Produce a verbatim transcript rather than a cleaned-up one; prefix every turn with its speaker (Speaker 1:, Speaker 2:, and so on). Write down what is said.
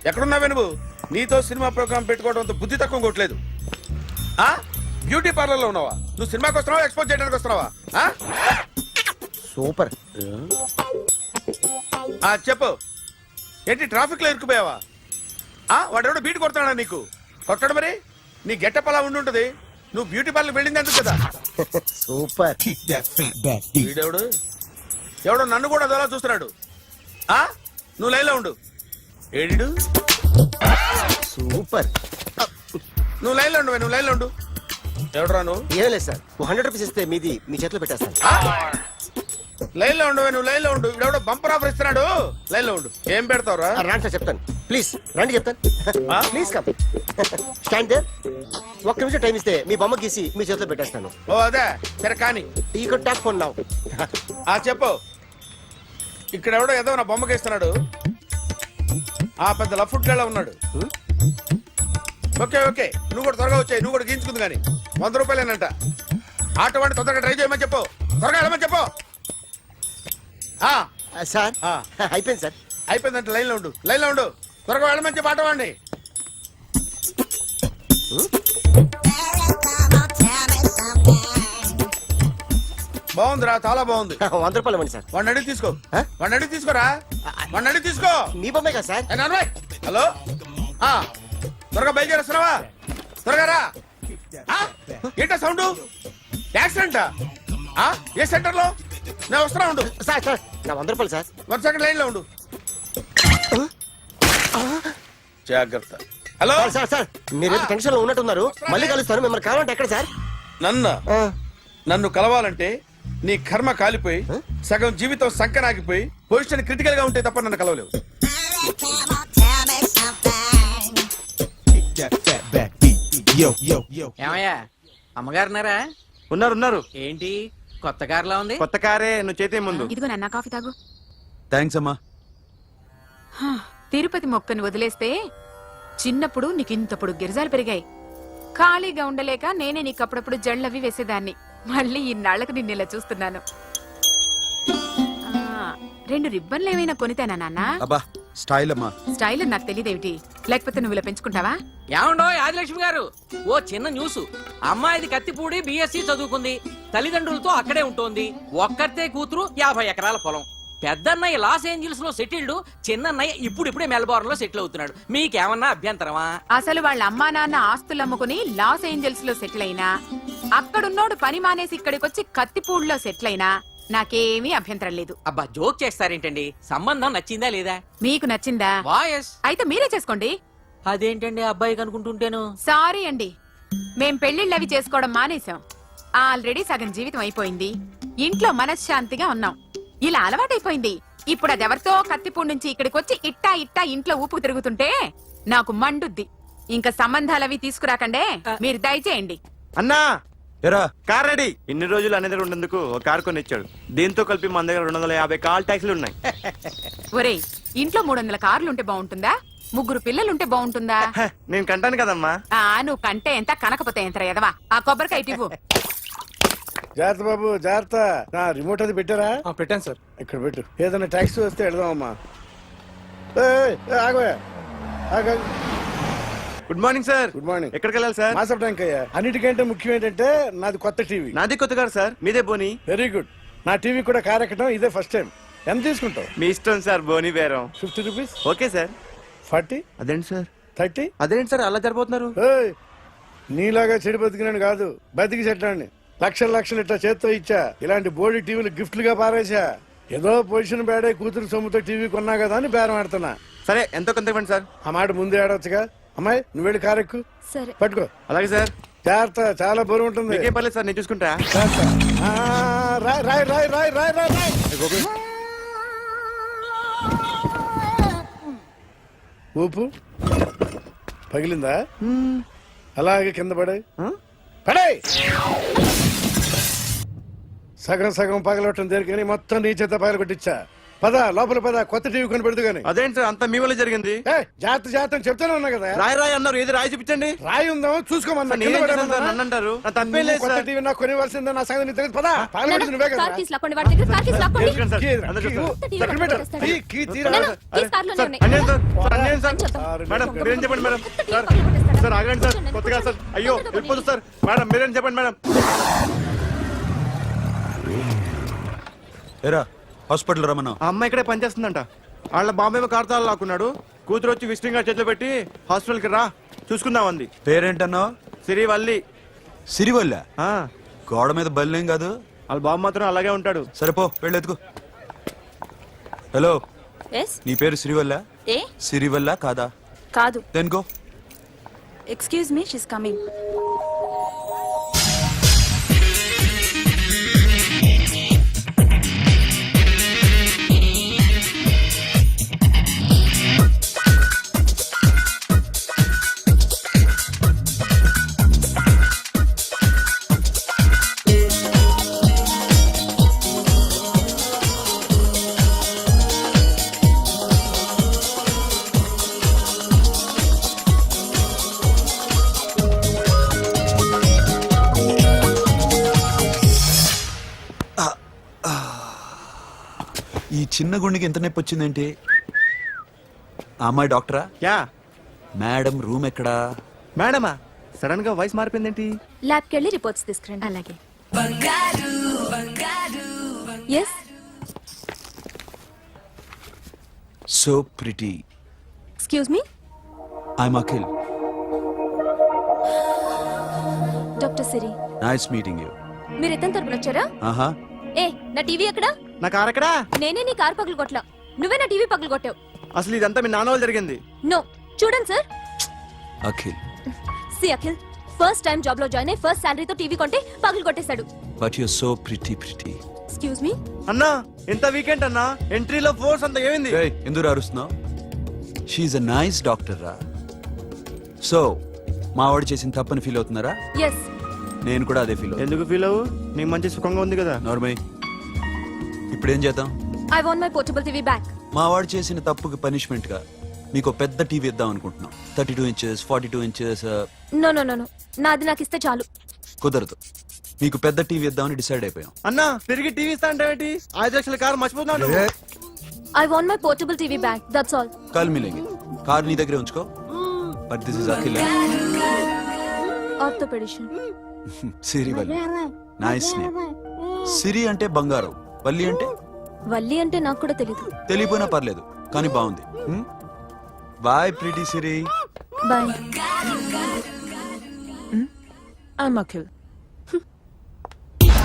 Speaker 1: ఎక్కడున్నావే నువ్వు? నీతో cinema programme పెట్టుకోవడంతో బుద్ధి తక్కువ కొట్టలేదు. ఆ బ్యూటీ పార్లర్ లో ఉన్నావా? నువ్వు సినిమాకి వస్తున్నావా, ఎక్స్పోజ్ చేయడానికి వస్తున్నావా?
Speaker 2: సూపర్.
Speaker 1: ఆ చెప్పు, ఏంటి ట్రాఫిక్ లో ఇరుక్కుపోయావా? ఆ వాడెవడో బీట్ కొడతాడా నీకు? కొట్టడు మరి. నీ గెట్టప్ అలా ఉండి ఉంటది. నువ్వు బ్యూటీ పార్లర్ వెళ్ళింది ఎందుకు కదా?
Speaker 2: సూపర్.
Speaker 1: వీడెవడు ఎవడో నన్ను కూడా అదోలా చూస్తున్నాడు. ఆ నువ్వు లైన్లో ఉండు. ఏడిడు
Speaker 2: సూపర్.
Speaker 1: నువ్వు లైన్లో ఉండు, నువ్వు లైన్లో ఉండు. ఎవడరా నువ్వు?
Speaker 2: ఏం లేదు సార్, హండ్రెడ్ రూపీస్ ఇస్తే మీది మీ చేతిలో పెట్టేస్తాను.
Speaker 1: లైన్ లో ఉండు, నువ్వు లైన్ లో ఉండు. ఇవిడెవడో బంపర్ ఆఫర్ ఇస్తున్నాడు. లైన్ లో ఉండు. ఏం పెడతావురా?
Speaker 2: రండి సార్ చెప్తాను. ప్లీజ్ రండి చెప్తాను. Please come. Stand there. ఒక్క నిమిషం టైం ఇస్తే మీ బొమ్మ గీసి మీ చేతిలో పెట్టేస్తాను.
Speaker 1: ఓ అదే సరే కానీ.
Speaker 2: ఈ కుడ్ టాక్ ఫోన్ నౌ.
Speaker 1: ఆ చెప్పు. ఇక్కడ ఎవడో ఏదో నా బొమ్మకి ఇస్తున్నాడు. ఆ పెద్ద లఫుట్ గళ్ళ ఉన్నాడు. ఓకే ఓకే నువ్వు కూడా త్వరగా వచ్చాయి. నువ్వు కూడా గీంచుకుంది కానీ వంద రూపాయలేనంట. ఆటో వాడిని తొందరగా ట్రై చేయమని చెప్పు. త్వరగా వెళ్ళమని చెప్పు.
Speaker 2: సార్ అయిపోయింది సార్.
Speaker 1: అయిపోయిందంటే లైన్ లో ఉండు, లైన్ లో ఉండు. త్వరగా వెళ్ళమని చెప్పి ఆటో వాడిని. బాగుందిరా, చాలా బాగుంది.
Speaker 2: వంద రూపాయలు ఇవ్వండి సార్.
Speaker 1: వాడిని అడిగి తీసుకో. వాడిని అడిగి తీసుకోరా. వాడిని అడిగి తీసుకో.
Speaker 2: మీ బొమ్మే కదా సార్.
Speaker 1: హలో త్వరగా బయలుదేరేస్తున్నావా? త్వరగా రా. ఏంటా సౌండ్? యాక్సిడెంట్? ఏ సెంటర్ లో? నేను వస్తున్నా ఉండు.
Speaker 2: సార్ సార్ నా వంద రూపాయలు సార్.
Speaker 1: వన్ సెకండ్ లైన్ లో ఉండు. జాగ్రత్త. హలో
Speaker 2: సార్ సార్ మీరు టెన్షన్ లో ఉన్నట్టున్నారు. మళ్ళీ కలుస్తాను. మిమ్మల్ని కావాలంటే ఎక్కడ సార్?
Speaker 1: నన్ను నన్ను కలవాలంటే నీ కర్మ కాలిపోయి సగం జీవితం సంకనాగిపోయి పొజిషన్ క్రిటికల్ గా ఉంటే తప్ప నన్ను కలవలేవు.
Speaker 3: ఏమయ్యా అమ్మగారున్నారా?
Speaker 4: ఉన్నారు ఉన్నారు.
Speaker 3: ఏంటి కొత్త కారులా ఉంది?
Speaker 4: కొత్త కారే, నువ్వు చేతే ముందు.
Speaker 5: ఇదిగో నాన్న కాఫీ తాగు.
Speaker 4: థ్యాంక్స్ అమ్మా.
Speaker 5: తిరుపతి మొక్కను వదిలేస్తే చిన్నప్పుడు నీకింతప్పుడు గిరిజాలు పెరిగాయి. ఖాళీగా ఉండలేక నేనే నీకు అప్పుడప్పుడు జళ్ళవి వేసేదాన్ని. మళ్ళీ ఇన్నాళ్లకు నిన్ను ఇలా చూస్తున్నాను. రెండు రిబ్బన్లు ఏమైనా కొనితేనా నాన్న?
Speaker 4: అబ్బా స్టైల్ అమ్మా.
Speaker 5: స్టైల్ నాకు తెలియదేమిటి? లేకపోతే నువ్వు ఇలా పెంచుకుంటావా?
Speaker 3: ఏమండో ఆదిలక్ష్మి గారు, ఓ చిన్న న్యూస్. అమ్మాయిది కత్తిపూడి బిఎస్సి చదువుకుంది. తల్లిదండ్రులతో అక్కడే ఉంటోంది. ఒక్కతే కూతురు, యాభై ఎకరాల పొలం. పెద్దన్నయ్య లాస్ ఏంజల్స్ లో సెటిల్డ్. చిన్నన్నయ్య ఇప్పుడిప్పుడే మెల్బోర్న్ లో సెటిల్ అవుతున్నాడు. మీకేమన్నా అభ్యంతరమా?
Speaker 5: అసలు వాళ్ళ అమ్మా నాన్న ఆస్తులు అమ్ముకుని లాస్ ఏంజల్స్ లో సెటిల్ అయినా, అక్కడున్నోడు పని మానేసి ఇక్కడికొచ్చి కత్తిపూడిలో సెటిల్ అయినా నాకేమీ అభ్యంతరం లేదు.
Speaker 3: అబ్బా జోక్ చేస్తారేంటండి? సంబంధం నచ్చిందా లేదా?
Speaker 5: మీకు నచ్చిందా?
Speaker 3: వాయస్
Speaker 5: అయితే మీరే చేసుకోండి.
Speaker 3: అదేంటండి అబ్బాయికి అనుకుంటుంటేను?
Speaker 5: సారీ అండి, మేం పెళ్లిళ్ళు అవి చేసుకోవడం మానేశాం. ఆల్రెడీ సగం జీవితం అయిపోయింది. ఇంట్లో మనశ్శాంతిగా ఉన్నాం. ఇలా అలవాటైపోయింది. ఇప్పుడు అదెవరితో కత్తిపూడి నుంచి ఇక్కడికి వచ్చి ఇట్టా ఇట్టా ఇంట్లో ఊపు తిరుగుతుంటే నాకు మండుద్ది. ఇంకా సంబంధాలవి తీసుకురాకండే, మీరు దయచేయండి.
Speaker 4: అన్నా ఎరా కార్ రెడీ. ఇన్ని రోజులు అనే దగ్గర ఉండేందుకు ఒక కార్ కొని ఇచ్చాడు. దీంతో కలిపి మన దగ్గర రెండు వందల యాభై కాల్ ట్యాక్సీలు ఉన్నాయి.
Speaker 5: ఒరేయ్, ఇంట్లో మూడు వందల కార్లుంటే బాగుంటుందా? ముగ్గురు పిల్లలుంటే బాగుంటుందా?
Speaker 4: నేను కంటాను కదమ్మా.
Speaker 5: ఆ నువ్వు కంటే ఎంత కనకపోతే ఎంత ఎదవా. ఆ కొబ్బరికాయ ఇవ్వు.
Speaker 1: జాగ్రత్త బాబు జాగ్రత్త. నా రిమోట్ అది పెట్టారా?
Speaker 4: పెట్టాను సార్.
Speaker 1: ఇక్కడ పెట్టు. ఏదైనా ట్యాక్సీ వస్తే వెళదామమ్మా. ఆగోయా ఆగ.
Speaker 4: Good morning sir.
Speaker 1: Good morning.
Speaker 4: ఎక్కడికి వెళ్ళాలి సార్?
Speaker 1: మాసప్ ట్యాంక్ అయ్యా. అన్నిటికంటే ముఖ్యం ఏంటంటే నాది కొత్త టీవీ.
Speaker 4: నాది కొత్త కారు సార్. మీదే బోని.
Speaker 1: Very good. నా టీవీ కూడా కార్ ఎక్కడం ఇదే ఫస్ట్ టైం. ఎంత తీసుకుంటావు?
Speaker 4: మీ ఇష్టం సార్. బోని బేరం.
Speaker 1: Fifty rupees.
Speaker 4: Okay sir.
Speaker 1: Forty.
Speaker 4: అదేంటి సార్?
Speaker 1: థర్టీ.
Speaker 4: అదేంటి సార్ అలా జరిపోతున్నారు?
Speaker 1: నీలాగా చెడు బతికినాను కాదు, బతికి చెట్లాండి. లక్షల లక్షలు ఇట్లా చేత్తో ఇచ్చా. ఇలాంటి బోర్డు టీవీలు గిఫ్ట్లుగా పారేసా. ఏదో పొజిషన్ బేడే కూతురు సొమ్ముతో టీవీ కొన్నా కదా అని బేరం ఆడుతున్నా.
Speaker 4: సరే ఎంతో కొంత ఇవ్వండి సార్.
Speaker 1: ఆ మాట ముందే ఆడవచ్చుగా. అమ్మాయి నువ్వు వెళ్ళి కారెక్కు.
Speaker 5: సరే
Speaker 1: పట్టుకో.
Speaker 4: అలాగే సార్.
Speaker 1: జాగ్రత్త, చాలా బరువు ఉంటుంది.
Speaker 4: ఏం పర్లేదు సార్, నేను చూసుకుంటా.
Speaker 1: రాయ్ రాయ్ రాయ్ రాయ్ రాయ్ రాయ్ రాయ్. ఊపు పగిలిందా? అలాగే కింద పడే పడే. సగం సగం పగలవటం దేనికని మొత్తం నీ చేత పగల కొట్టించా. పద లోపల పద, కొత్త టీవీ కొని పెడదు గానీ.
Speaker 4: అదేంటి సార్ అంత మీ వల్ల జరిగింది?
Speaker 1: ఏ జాగ్రత్త జాగ్రత్త అని చెప్తానే ఉన్నా కదా.
Speaker 4: రాయి రాయి అన్నారు, ఏది రాయి చూపించండి.
Speaker 1: రాయి ఉందామో చూసుకోమన్నా.
Speaker 4: నేనేం చేశాను సార్? నన్ను అంటారు, నా తప్పేం లేదు
Speaker 1: కొత్త
Speaker 4: సార్.
Speaker 1: టీవీ నాకు కొనివ్వాల్సిందే, నా సంగతి నీకు తెలియదు. పద పాలు పెడుతుంది నువ్వే కదా.
Speaker 6: కార్ కీస్ లాక్కోండి, వాడి దగ్గర కార్ కీస్ లాక్కోండి.
Speaker 4: తెలుసుకోండి సార్,
Speaker 1: కీ ఏదిరా?
Speaker 4: అందరూ
Speaker 1: కీ
Speaker 4: చూస్తారు.
Speaker 1: ఇవ్వు.
Speaker 6: టీవీ
Speaker 1: ఎక్కడ పెట్టు?
Speaker 6: పట్టుకొస్తాడు.
Speaker 1: కీ, కీ తీరా.
Speaker 6: నాన్న, కీస్ కార్లోనే
Speaker 4: సార్,
Speaker 6: ఉన్నాయి.
Speaker 4: అన్యాయం సార్, సార్, అన్యాయం సార్.
Speaker 6: చెప్తాను.
Speaker 4: మేడం మీరేం చెప్పండి మేడం. సార్ సార్ ఆగండి సార్, కొత్తగా సార్. అయ్యో వెళ్ళిపోతుంది సార్. మేడం మీరేం చెప్పండి మేడం.
Speaker 7: ఏరా హాస్పిటల్ రమ్మన్నా.
Speaker 4: ఆ అమ్మాయి ఇక్కడే పనిచేస్తుందంట. వాళ్ళ బాంబేమో కార్తాలు లాక్కున్నాడు. కూతురు వచ్చి విజిటింగ్ కార్డ్ చేతిలో పెట్టి హాస్పిటల్కి రా చూసుకుందాం అంది.
Speaker 7: పేరేంటన్నావు?
Speaker 4: సిరివల్లి.
Speaker 7: సిరివల్ల?
Speaker 4: ఆ,
Speaker 7: గోడ మీద బల్లేం కాదు.
Speaker 4: వాళ్ళ బాబు మాత్రం అలాగే ఉంటాడు.
Speaker 7: సరిపో వెళ్ళెత్తుకు. హలో,
Speaker 6: ఎస్
Speaker 7: నీ పేరు సిరివల్ల?
Speaker 6: ఏ
Speaker 7: సిరివల్ల కాదా?
Speaker 6: కాదు.
Speaker 7: Then go.
Speaker 6: Excuse me, she's coming.
Speaker 7: ఈ చిన్న గుండెకి ఎంత నొప్పి వచ్చిందేంటి? ఆ అమ్మాయి డాక్టరా?
Speaker 4: యా
Speaker 7: మేడం రూమ్ ఎక్కడా?
Speaker 4: మేడమా, సడన్ గా వాయిస్ మారిపోయిందేంటి?
Speaker 6: ల్యాబ్కి వెళ్ళి రిపోర్ట్స్ తీసుకురండి. అలాగే. Yes
Speaker 7: so pretty.
Speaker 6: Excuse me,
Speaker 7: I'm Akhil.
Speaker 6: Doctor Siri.
Speaker 7: Nice meeting you.
Speaker 6: మీరు ఇతని తరపున వచ్చారా?
Speaker 7: ఆహా,
Speaker 6: ఏ నా టీవీ ఎక్కడా?
Speaker 4: నా కార్ ఎక్కడా?
Speaker 6: నేనే నీ కార్ పగలు కొట్టలా, నువ్వే నా టీవీ పగలు కొట్టావు.
Speaker 4: అసలు ఇదంతా మీ నాన్న వాళ్ళు జరిగింది.
Speaker 6: నో, చూడండి sir.
Speaker 7: Akhil.
Speaker 6: See Akhil, first time job లో జాయిన్ అయ్యి ఫస్ట్ శాలరీతో టీవీ కొంటే పగలు కొట్టేశాడు.
Speaker 7: But you so pretty pretty.
Speaker 6: Excuse me.
Speaker 4: అన్నా ఎంత వీకెండ్ అన్నా, ఎంట్రీలో ఫోర్స్ అంత ఏమైంది?
Speaker 7: ఎందుకు అరుస్తున్నావు? షీఈ్ అ నైస్ డాక్టర్ రా. సో మా వాడు చేసిన తప్పని ఫీల్ అవుతున్నారా?
Speaker 6: ఎస్.
Speaker 7: నేను కూడా అదే ఫీల్ అవుతున్నా.
Speaker 4: ఎందుకు ఫీల్ అవ్వు, నీకు మంచి సుఖంగా ఉంది కదా.
Speaker 7: నార్మల్. ఇప్పుడు ఏం చేద్దాం?
Speaker 6: I want my portable TV back.
Speaker 7: మా వాడు చేసిన తప్పుకి పనిష్మెంట్ గా మీకు ఒక పెద్ద టీవీ ఇద్దాం అనుకుంటున్నాం. Thirty two inches forty two inches.
Speaker 6: No no no no, నాది నాకు ఇస్తే చాలు.
Speaker 7: కుదరదు. మీకు పెద్ద టీవీ ఇద్దామని డిసైడ్ అయిపోయాం.
Speaker 4: అన్నా తిరిగి టీవీ ఇస్తా అంటే ఏంటి? ఐదు లక్షల కారు మర్చిపోతున్నాడు.
Speaker 6: I want my portable TV back, that's all.
Speaker 7: కాల్ మిలేంగి. కార్ నీ దగ్గరే ఉంచుకో. But this is Akhil.
Speaker 6: Orthopedician.
Speaker 7: Siri Valli. Nice name. Siri అంటే బంగారం, వల్లి అంటే?
Speaker 6: వల్లి అంటే నాకు కూడా తెలీదు.
Speaker 7: తెలియపోయినా పర్లేదు, కానీ బాగుంది. Bye pretty Siri.
Speaker 6: Bye.
Speaker 8: I'm Akhil.